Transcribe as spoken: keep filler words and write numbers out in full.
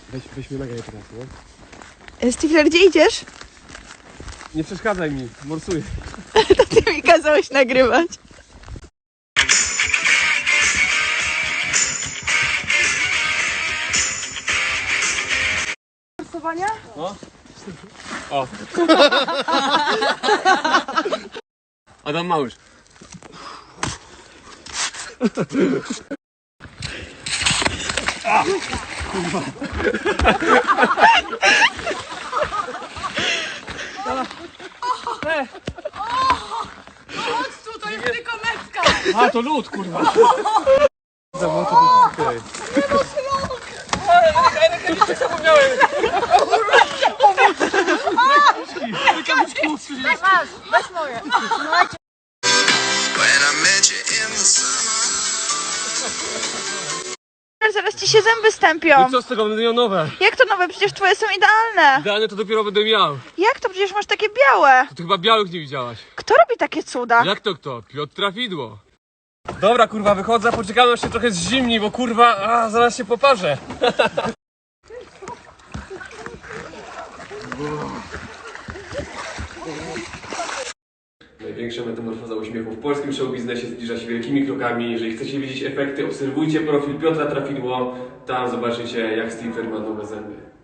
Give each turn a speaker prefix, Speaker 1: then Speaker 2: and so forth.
Speaker 1: Weź, weź mnie nagraj teraz, nie?
Speaker 2: Stifler, gdzie idziesz?
Speaker 1: Nie przeszkadzaj mi, morsuję.
Speaker 2: To ty mi kazałeś nagrywać. Morsowania?
Speaker 1: No. O. Adam Małysz. A, kurwa.
Speaker 2: Chodź tu, to jest tylko metka!
Speaker 1: A, to lód, kurwa. Zamoczę to tutaj. Ale rękawiczek zapomniałem.
Speaker 2: Masz, weź moje. Zaraz ci się zęby stępią.
Speaker 1: I co z tego, będę miał nowe.
Speaker 2: Jak to nowe? Przecież twoje są idealne.
Speaker 1: Idealnie to dopiero będę miał.
Speaker 2: Jak to? Przecież masz takie białe.
Speaker 1: To ty chyba białych nie widziałaś.
Speaker 2: Kto robi takie cuda?
Speaker 1: Jak to kto? Piotr Trafidło. Dobra, kurwa, wychodzę, poczekamy aż się trochę zimni, bo kurwa, a, zaraz się poparzę. Największa metamorfoza uśmiechu w polskim showbiznesie zbliża się wielkimi krokami. Jeżeli chcecie widzieć efekty, obserwujcie profil Piotra Trafidło. Tam zobaczycie, jak Stifler ma nowe zęby.